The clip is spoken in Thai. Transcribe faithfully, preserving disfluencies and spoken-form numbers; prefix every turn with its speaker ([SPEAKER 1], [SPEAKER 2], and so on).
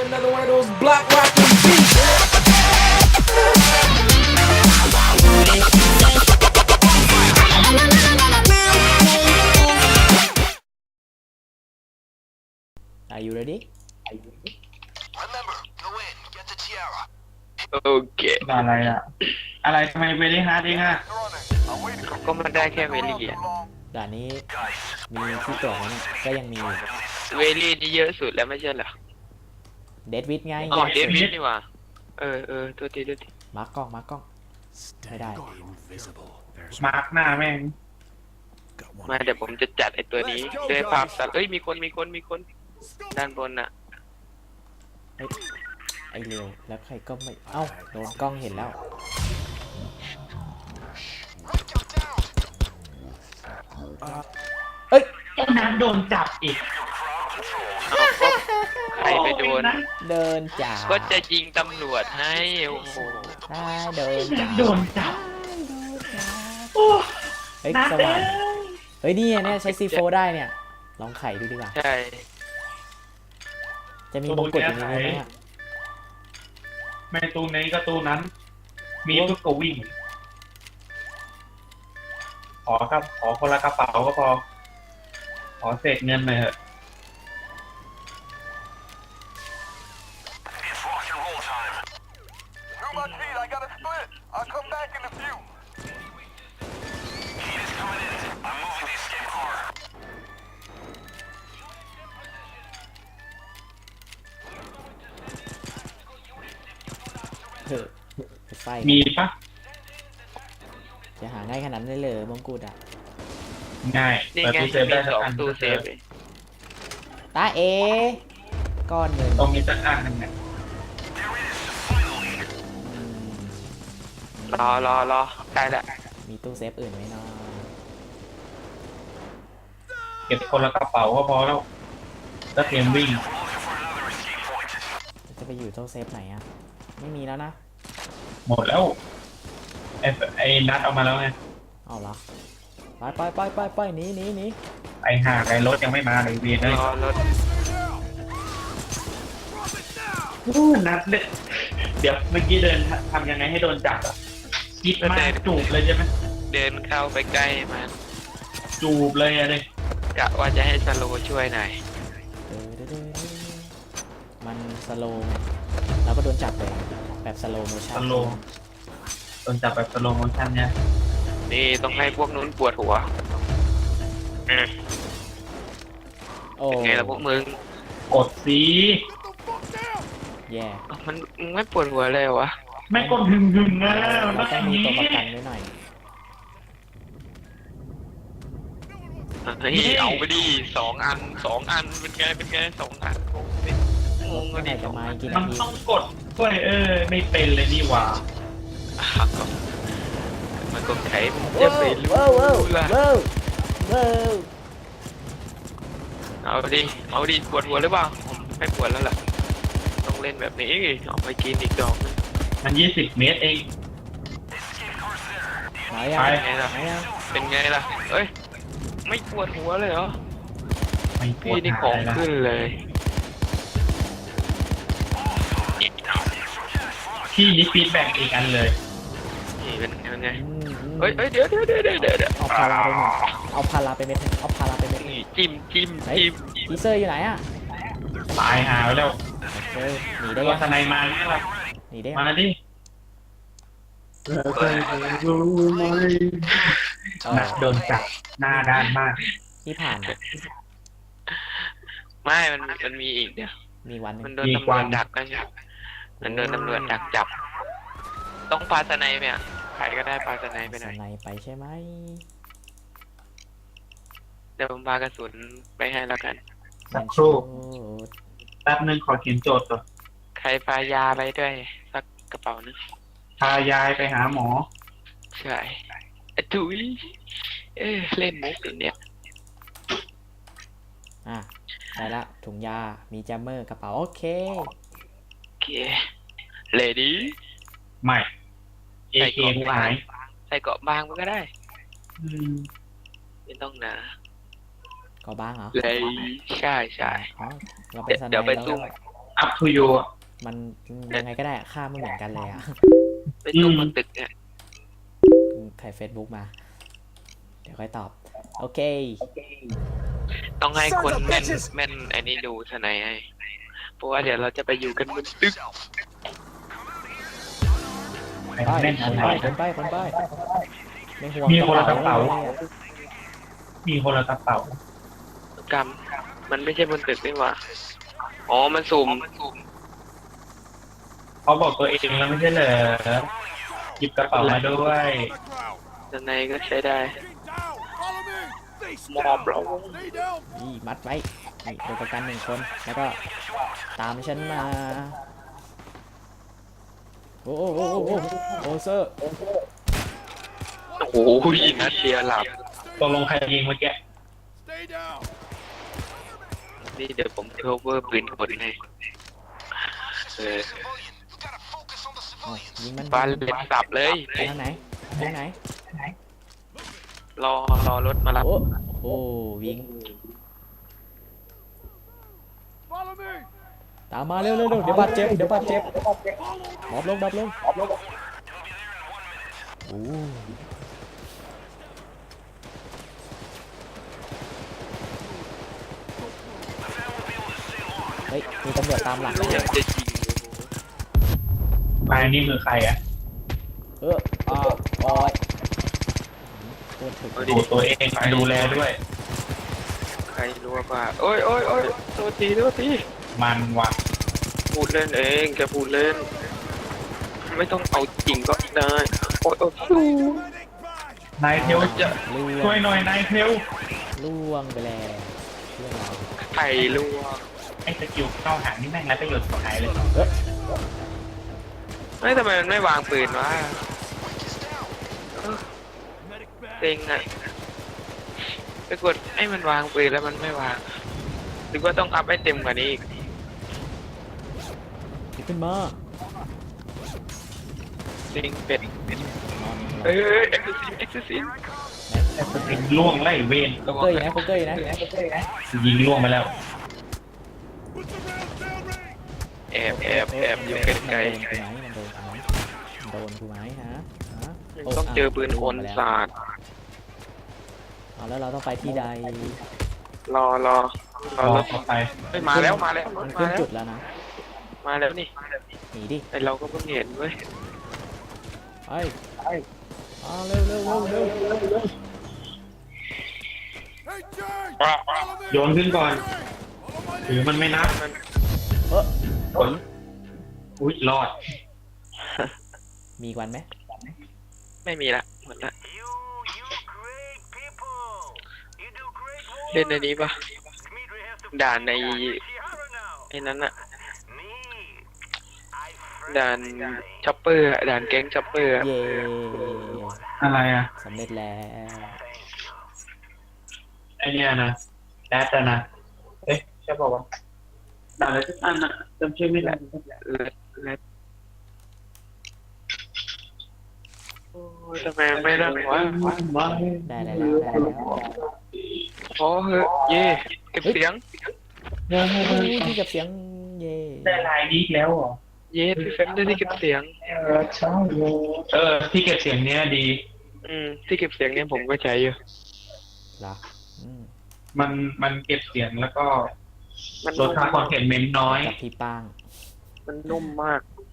[SPEAKER 1] Another one of those block rocking beats. Are you ready?
[SPEAKER 2] Remember, go in, get the tiara.
[SPEAKER 3] โอเค
[SPEAKER 4] อะไรอะอะไรทำไมเวลี่ฮาร์ดเองอะ
[SPEAKER 2] I'm waiting for
[SPEAKER 3] ก็มันได้แค่เวลี่อะ
[SPEAKER 1] ด่านนี้มีที่ตรวจไหมเนี่ยก็ยังมีอยู่
[SPEAKER 3] เวลี่นี่เยอะสุดแล้วไม่ใช่เหรอ
[SPEAKER 1] เดดวิดไง
[SPEAKER 3] อ๋อเดวิดนี่หว่าเออเออตัวทีตัวที
[SPEAKER 1] มาร์กกล้องมาร์กกล้องไม่ได้
[SPEAKER 4] มาร์กหน้าแม่ง
[SPEAKER 3] มาเดี๋ยวผมจะจัดไอตัวนี้ด้วยภาพสัตว์เอ้ยมีคนมีคนมีคนด้านบนน่ะ
[SPEAKER 1] ไอเร็วแล้วใครก็ไม่เอ้าโดนกล้องเห็นแล้ว เอ้ย
[SPEAKER 4] ไอ้นัทโดนจับอีก
[SPEAKER 3] เอาก็ใครไปโดน
[SPEAKER 1] เดินจ่า
[SPEAKER 3] ก็จะยิงตำรวจให้โอ้โห
[SPEAKER 1] ใช่เดินจ่า
[SPEAKER 4] โดนจับโอ้
[SPEAKER 1] เฮ้ย
[SPEAKER 4] นัท
[SPEAKER 1] ส
[SPEAKER 4] เอ้
[SPEAKER 1] ว่าง
[SPEAKER 4] ย
[SPEAKER 1] เฮ้ยนี่เนี่ยใช้ซีโฟได้เนี่ยลองไขดูดีกว่า
[SPEAKER 3] ใช่
[SPEAKER 1] จะมีมงกุฎอย่างนี้ไหมอะ
[SPEAKER 4] ไม่ตูนี้ก็ตูนั้น มีปุ๊บก็วิ่ง ขอครับ ขอคนละกระเป๋าก็พอ ขอเศษเงินหน่อยเถอะ
[SPEAKER 2] It's rock and roll time. Through my feet, I gotta split. I'll come back in a few. Heat is coming in. I'm moving the escape car.
[SPEAKER 1] เถอะไปไฟ
[SPEAKER 4] มีปะ
[SPEAKER 1] จะหาง่ายขนาดนั้นเลยเหรอมงกุฎอ่ะ
[SPEAKER 4] ง่าย
[SPEAKER 3] นี่
[SPEAKER 4] เปิด
[SPEAKER 3] ไง
[SPEAKER 4] ตู้เซฟ
[SPEAKER 3] มี
[SPEAKER 4] ได้
[SPEAKER 3] ส
[SPEAKER 4] สัก
[SPEAKER 3] อง
[SPEAKER 4] อัน
[SPEAKER 3] ตู้เซฟเลย
[SPEAKER 1] ตาเอก้อนหนึ่ง
[SPEAKER 4] ตรงนี้สักอันหนึ่งเนี่ย
[SPEAKER 1] อืม
[SPEAKER 3] รอรอรอใกล้ละ
[SPEAKER 1] มีตู้เซฟอื่นไหมเนาะ
[SPEAKER 4] เก็บคนละกระเป๋าก็พอแล้วก็เตรียมวิ่ง
[SPEAKER 1] จะไปอยู่ตู้เซฟไหนอ่ะไม่มีแล้วนะ
[SPEAKER 4] หมดแล้ว ไอ้ไอ้นัดเอามาแล้วไง
[SPEAKER 1] เอาเหรอไปไปไปไปไปหนีหนีหนี
[SPEAKER 4] ไอ้ห่าไอ้รถยังไม่มาเลยเวียนเลย
[SPEAKER 3] รอรถ
[SPEAKER 4] นัดเลยเดี๋ยวเมื่อกี้เดินทำยังไงให้โดนจับอ่ะคิดมากจูบเลยใช่ไหม
[SPEAKER 3] เดินเข้าไปใกล้มัน
[SPEAKER 4] จูบเลยอะเลย
[SPEAKER 3] กะว่าจะให้สโลว์ช่วยหน่อย
[SPEAKER 1] เด้อเด้อเด้อเด้อมันสโลว์ไงแล้วก็โดนจับไปแบบสโลว์โมชั่
[SPEAKER 4] ส
[SPEAKER 1] น
[SPEAKER 4] โลว์โดนจับแบบสโลว์โมชั่นเนี่ย
[SPEAKER 3] นี่ต้องให้พวกนู้นปวดหัวอืม
[SPEAKER 1] โอ้
[SPEAKER 3] เป็นไงล่ะพวกมึง
[SPEAKER 4] กดสี
[SPEAKER 1] แย่
[SPEAKER 3] เอ้ามันมึงไม่ปวดหัวเลยวะ
[SPEAKER 4] ไม่กดหึงหึงๆนะมัน
[SPEAKER 1] เรา
[SPEAKER 4] ต้
[SPEAKER 1] ต้
[SPEAKER 4] อ
[SPEAKER 1] อง ง
[SPEAKER 4] อย่าง
[SPEAKER 1] มี
[SPEAKER 4] นี้
[SPEAKER 1] ตัวประกันไว้หน่อย
[SPEAKER 3] เฮ้ยเอาไปดิสองอันสองอันเป็นไงเป็นไงสองอันงงดิงง
[SPEAKER 1] เมื่
[SPEAKER 3] กั
[SPEAKER 1] อน ไหร่
[SPEAKER 3] ดิส
[SPEAKER 1] จะ
[SPEAKER 3] อง
[SPEAKER 1] มา
[SPEAKER 3] อัน
[SPEAKER 1] กี่
[SPEAKER 4] มั
[SPEAKER 1] นาน ที
[SPEAKER 4] ต้องกดด้วยเออ ไม่เป็นเลยนี่หว่า
[SPEAKER 3] อ่ะก็มันก็ใช้จะไปรู้
[SPEAKER 1] ว้าวว้าว
[SPEAKER 3] ล่ะ
[SPEAKER 1] ว้าวว้าว
[SPEAKER 3] เอาดิเอาดิปวดหัวหรือเปล่าผมไม่ปวดแล้วล่ะต้องเล่นแบบนี้ออกไปกินอีกดอกนึง
[SPEAKER 4] มันยี่สิบเมตรเอง
[SPEAKER 1] ไหนอ่ะ
[SPEAKER 4] ไป
[SPEAKER 1] ไหนอ่ะ
[SPEAKER 3] เป็นไงล่ะเอ้ยไม่ปวดหัวเลยเหรอ
[SPEAKER 4] ไม่ปว
[SPEAKER 3] พี่
[SPEAKER 4] ด
[SPEAKER 3] นี่
[SPEAKER 4] หา
[SPEAKER 3] ของ
[SPEAKER 4] ยแล้ว
[SPEAKER 3] ขึ้นเลย
[SPEAKER 4] พี่นี่ฟีดแบ็กอีกอันเลย
[SPEAKER 3] นี่เป็นไงเป็นไง
[SPEAKER 1] อืมอืม
[SPEAKER 3] เอ้ยเอ้ยเดี๋ยวเดี๋ยวเดี๋ยวเดี๋ยวเดี๋ยว
[SPEAKER 1] เอาพาราไปหนึ่งเอาพาราไปเม็ดหนึ่งเอาพาราไปเม็ดหนึ่ง
[SPEAKER 3] นี่จิ้มจิ้ม
[SPEAKER 1] เฮ้ย
[SPEAKER 3] จิ้ม
[SPEAKER 1] ทีเซอร์อยู่ไหนอ่ะ
[SPEAKER 4] ตายหาแล้ว
[SPEAKER 1] เฮ้ยหนีได้
[SPEAKER 4] ตัว
[SPEAKER 1] ยัง
[SPEAKER 4] สไนมาเนี่ยล่ะ
[SPEAKER 1] หนีได้ยัง
[SPEAKER 4] มาดิ
[SPEAKER 1] เออ
[SPEAKER 4] นัดโดนจับหน้าด้านมาก
[SPEAKER 1] ที่ผ่านอะ
[SPEAKER 3] ไม่มันมันมีอีกเดี๋ยว
[SPEAKER 1] มีวันหนึง
[SPEAKER 3] มันโดนตำรวจดักนะใช่มันโดนตำรวจดักจับ ต้องปาสไนไปอ่ะใครก็ได้ปาสไนไปห
[SPEAKER 1] ส
[SPEAKER 3] น่อย
[SPEAKER 1] ไนไปใช่ไหม
[SPEAKER 3] เดี๋ยวผมปากระสุนไปให้แล้วกัน
[SPEAKER 4] สักครู่
[SPEAKER 1] โอ้
[SPEAKER 4] แป๊บนึงขอเขียนโจทย์ก่อน
[SPEAKER 3] ใครปายาไปด้วยสักกระเป๋านึง
[SPEAKER 4] พายายไปหาหมอ
[SPEAKER 3] ใช่อะถุยเอ้ยเล่นมุกอย่างเนี้ย
[SPEAKER 1] อ่ะได้ละถุงยา มีแจมเมอร์กระเป๋าโอเค
[SPEAKER 3] โอเคเลดี้
[SPEAKER 4] ไม่เอ
[SPEAKER 3] ใส่
[SPEAKER 4] เค
[SPEAKER 3] เกาะ
[SPEAKER 4] กู
[SPEAKER 3] บา
[SPEAKER 4] หาง ย
[SPEAKER 3] ใส่เกาะบางมันก็ได้
[SPEAKER 4] อืม
[SPEAKER 3] ไม่ต้องหนา
[SPEAKER 1] ก็บ้างเหรอ
[SPEAKER 3] เลยใช่ใช่
[SPEAKER 1] อ๋อเราไป
[SPEAKER 3] เดี๋ยว
[SPEAKER 1] สไน
[SPEAKER 3] เดี๋ยวไป
[SPEAKER 1] แล้ว
[SPEAKER 3] ซุ่ม
[SPEAKER 4] up to you อะ
[SPEAKER 1] มันยังไงก็ได้ค่าไม่เหมือนกันเลยอ่ะ
[SPEAKER 3] ไปตู้บนตึกเนี่ย
[SPEAKER 1] ใครเฟซบุ๊กมา เดี๋ยวค่อยตอบ โอเค
[SPEAKER 3] ต้องให้คนแม่นแม่นไอ้นี่ดูทนายให้เพราะว่าเดี๋ยวเราจะไปอยู่กันบนตึก
[SPEAKER 4] ไป
[SPEAKER 1] ไป
[SPEAKER 4] แม่น
[SPEAKER 1] ค
[SPEAKER 4] อะ
[SPEAKER 1] น
[SPEAKER 4] ไร
[SPEAKER 1] ไปคนไปคนไปไม่ห่วง
[SPEAKER 4] มีคนละกระเป๋า
[SPEAKER 1] ลยอะ
[SPEAKER 4] มีคนละกระเป๋าก
[SPEAKER 3] รรมมันไม่ใช่บนตึกนี่หว่าอ๋อมันสุ่ม
[SPEAKER 4] เขาบอกตัวเองแล้วไม่ใช่เหรอหยิบกระเป๋ามาด้วย
[SPEAKER 3] ทนายก็ใช้ได้
[SPEAKER 2] Follow me. Face
[SPEAKER 3] มอบ
[SPEAKER 2] down.
[SPEAKER 3] เรา
[SPEAKER 2] Stay down.
[SPEAKER 1] นี่มัดไว้นี่ตัวประกันหนึ่งคน แล้วก็ตามฉันมา โอ้โหโอ้โหโอ้โหโอ้เซอร์
[SPEAKER 3] โอ้โหนัดเดียวหลับ
[SPEAKER 4] ตกลงใครยิงเมื่อกี้
[SPEAKER 2] Stay down.
[SPEAKER 3] นี่เดี๋ยวผม cover ปืนคนให้เออ
[SPEAKER 1] เอายิงมัน
[SPEAKER 3] บ้านเล็ดสับเลย
[SPEAKER 1] ไปทางไหนทางไหน
[SPEAKER 3] รอรอรถมารับ
[SPEAKER 1] โอ้โหวิ่ง
[SPEAKER 2] Follow me.
[SPEAKER 1] ตามมาเร็วเร็วเร็วเดี๋ยวบาดเจ็บเดี๋ยวบาดเจ็บดรอปลงดรอปลงโอ้เฮ้ยมีตำรวจตามหลัง
[SPEAKER 3] ไม่อยากจะยิง
[SPEAKER 4] ไปนี่มือใครอ่ะ
[SPEAKER 1] เอออ่าโอ้ยตัวถึก
[SPEAKER 4] ดูตัวเองดูแลด้วย
[SPEAKER 3] ใครรู้ว่าโอ้ยโอ้ยโอ้ยตัวทีตัวที
[SPEAKER 4] มันว่ะ
[SPEAKER 3] พูดเล่นเองแกพูดเล่น ไม่ต้องเอาจริงก็ได้ โอ้ยโอ้ย
[SPEAKER 4] นายเทลจะ
[SPEAKER 1] ล่ว
[SPEAKER 4] ช่วย
[SPEAKER 1] ง
[SPEAKER 4] หน่อยนายเทล
[SPEAKER 1] ล่วงไปแล้วเพื่อนเรา
[SPEAKER 3] ไข่ลวก
[SPEAKER 4] ไอ้สกิลเข้าหางนี่แม่งไรประโยชน์สุดท้ายเลย
[SPEAKER 1] เอ๊ะ
[SPEAKER 3] ไม่ทำไมมันไม่วางปืนวะเออเต็งอะไปกดให้มันวางปืนแล้วมันไม่วางหรือว่าต้องอัพให้เต็มกว่านี้อีก
[SPEAKER 1] หยิบขึ้นมา
[SPEAKER 3] เต็งเป็ด
[SPEAKER 1] นอน
[SPEAKER 3] เอ้ยเอ็กซ์ซิสเอ็กซ์ซิส
[SPEAKER 4] ไอ้สกิลล่วงไล่เวน
[SPEAKER 1] โป๊กเกอร์อยู่นะโป๊กเกอร์อยู่นะ
[SPEAKER 4] ยิงล่วงไปแล้ว
[SPEAKER 2] Put the rounds down range.
[SPEAKER 3] แอบแอบแอบอยู่ใกล้
[SPEAKER 1] มันโดนกูไหมมันโดนกูไหมฮะฮะ
[SPEAKER 3] ๆต้องเจอปืนคนสาด
[SPEAKER 1] เอาแล้วเราต้องไปที่ใด
[SPEAKER 3] รอรอรอ
[SPEAKER 4] รอ
[SPEAKER 3] รถ
[SPEAKER 4] ต่อไป
[SPEAKER 3] เฮ้ยมาแล้วมาแล้ว
[SPEAKER 1] มัน
[SPEAKER 3] มา
[SPEAKER 1] ขึ้น
[SPEAKER 3] แล้ว
[SPEAKER 1] จุดแล้วนะ
[SPEAKER 3] มาแล้วนี่
[SPEAKER 1] หนีดิ
[SPEAKER 3] ไอเราก็เพิ่งเห็นเว้ย
[SPEAKER 1] ไปเอาเร็วเร็วเร็วเร็ว
[SPEAKER 2] Hey, Jay.
[SPEAKER 4] โยนขึ้นก่อน
[SPEAKER 2] Follow my
[SPEAKER 4] หรือมันไม่นับ
[SPEAKER 3] มัน
[SPEAKER 1] เออ
[SPEAKER 4] ผลอุ้ยรอด
[SPEAKER 1] มีอีกวันไหม
[SPEAKER 3] ไม่มีละหมดละเล่นในนี้ปะด่านในไอ้นั้นอะด่านช็อปเปอร์อะด่านแก๊งช็อปเปอร์อะ
[SPEAKER 1] เย่
[SPEAKER 4] อะไรอ่ะ
[SPEAKER 1] สำเร็จแล้ว
[SPEAKER 4] ไอเนี้ยนะแรดอะนะ เอ๊ะใช่บอกว่าด่าอะไรสักอันอะจำชื่อไม่ได้
[SPEAKER 3] และและโอ้ยทำไมไม่ได้วะ
[SPEAKER 4] ว้า
[SPEAKER 1] ได้แล้วได้แล้ว
[SPEAKER 3] พอเหอะเย่เก็บเสียง
[SPEAKER 1] โอ้ที่กับเสียงเย่
[SPEAKER 4] ได้ลายนี้อีกแล้วเหรอ
[SPEAKER 3] เย่พี่เฟมได้ที่เก็บเสียง
[SPEAKER 4] เออที่เก็บเสียงเนี้ยดี
[SPEAKER 3] อืมที่เก็บเสียงเนี่ยผมก็ใช้อยู่
[SPEAKER 1] เหรออืม
[SPEAKER 4] มันมันเก็บเสียงแล้วก็
[SPEAKER 3] มัน
[SPEAKER 4] ล
[SPEAKER 3] นุ่
[SPEAKER 4] ด
[SPEAKER 3] ม
[SPEAKER 4] ค่าคอนเทนเมนต์น้อย
[SPEAKER 1] กับพี่ป้าง
[SPEAKER 3] มันนุ่มมาก